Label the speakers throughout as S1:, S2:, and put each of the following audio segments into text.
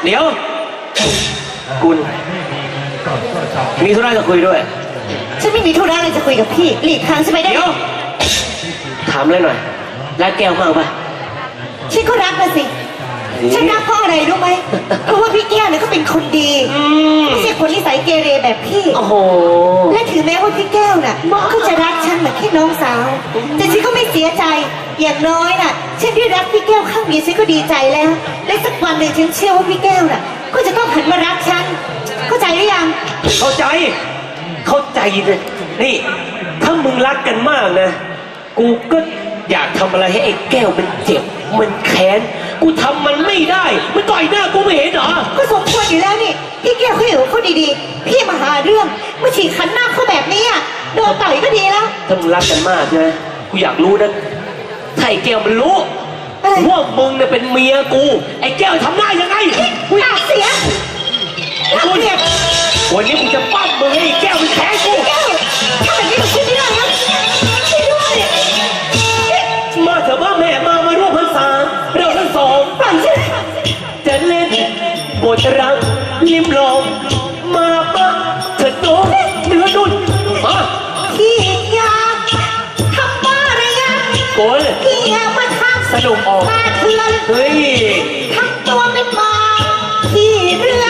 S1: เดี๋ยวคุณมีธุระจะคุยด้วย
S2: ฉันไม่มีธุระอะไรจะคุยกับพี่หลีกทางใช่ไหมได้
S1: เดี๋ยวถามเลยหน่อยรักแก้วมากป่ะ
S2: ฉันก็รักนะสิฉันรักเพราะอะไรรู้ไหมเพราะว่าพี่แก้วเนี่ยเขาเป็นคนดีไม่ใช่คนนิสัยเกเรแบบพี่
S1: โอ้โห
S2: และถึงแม้ว่าพี่แก้วน่ะเขาจะรักฉันเหมือนแค่น้องสาวแต่ฉันก็ไม่เสียใจอย่างน้อยน่ะฉันได้รักพี่แก้วข้างเดียวฉันก็ดีใจแล้วและสักวันหนึ่งฉันเชื่อว่าพี่แก้วน่ะก็จะต้องหันมารักฉันเข้าใจหรือยัง
S1: เข้าใจเลยนี่ถ้ามึงรักกันมากนะกูก็อยากทำอะไรให้ไอ้แก้วมันเจ็บมันแค้นกูทำมันไม่ได้มันต่อยหน้ากูไม่เห็นเหรอ
S2: ก็สมควรอยู่แล้วนี่พี่แก้วเขาอยู่เขาดีๆพี่มาหาเรื่องมาฉีกขันหน้าเขาแบบนี้อ่ะโดนต่อยก็ดีแล้ว
S1: ถ้ามึงรักกันมากใช่ไหมกูอยากรู้นะถ้าไอ้แก้วมันรู้ว่ามึงเนี่ยเป็นเมียกูไอ้แก้วทำหน้ายังไง
S2: กูอยากเสีย
S1: กูเนี่ยวันนี้กูจะปั้มมึงให้ไอ้แก้วมันแค้นกู
S2: แก้วถ้าแบบนี้มันคิดไม่ได้นะช่วยด้วย
S1: มาเถอะว่าแม่มาร่วมพรรษาเราทั้งสอง
S2: ปั่นใช่ไหม
S1: จะเล่นบทรักลิ้มลองมาปะเถิดน้องเนื้อนุ่นมา
S2: พี่อยากทำบ้าอะไรยัง
S1: โกน
S2: พี่อยากมาทำ
S1: สนุกออก
S2: มาเถื่อน
S1: เฮ้ย
S2: ทำตัวเป็นหมาพี่เรื่อง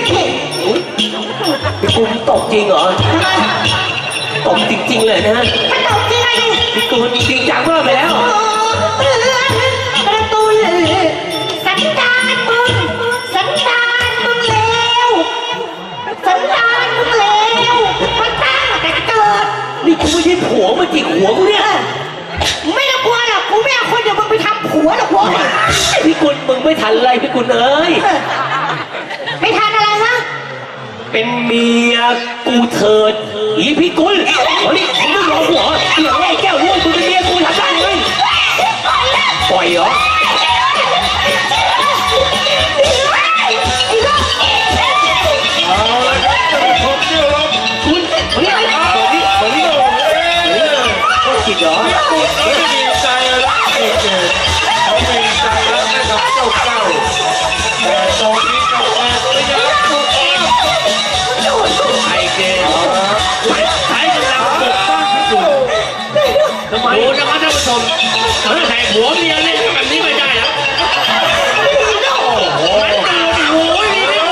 S1: กูตกจริงเหรอตกจริงๆเลยนะ
S2: ถ้าตกจริงไง
S1: กูจริงจังมากไปแล้ว
S2: ประตูสันดานมึงเลวสันดานมึงเลวมันตั้งแต่เกิด
S1: นี่กูไม่ใช่ผัวมันจิกหัวกูเนี่ย
S2: ไม่ต้องกลัวหรอกกูไม่เอาคนเดียวมึงไปทำผัวหรอกวะ
S1: พี่กุลมึงไม่ทันอะไรพี่กุลเอ้ย
S2: ไม่ทันอะไรฮะ
S1: เป็นเมียกูเถิดอีพี่กุลเฮ้ยมึงไม่รอหัวเดี๋ยวไอ้แก้วร่วงมึงเป็นเมียกูทำได้เลยปล่อยเหรอจิตเหรอ
S3: เขาดีใจรักเด็กเขาดีใจรักให้กับเจ้าเก้าแต่ตอนนี้เจ้าแม่ก็ยังถูก
S1: ไอ้เกย์ใช้กำลังปกป้องที่สุดทำไมดูนะครับท่านผู้ชมถ้าแข่งหัวเมียเล่นแบบนี้ไม่ได้นะโอ้โหโอ้ย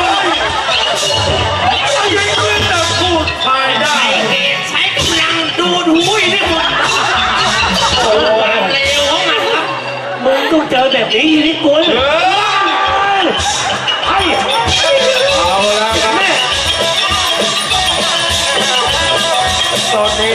S3: ยังจะพูดภายได้
S1: ใช้กำลังดูดหูยนี่หมดโอ้ยเร็วของมันครับมึงต้องเจอแบบนี้นี่กุลให้
S3: เอาละครับตอนนี้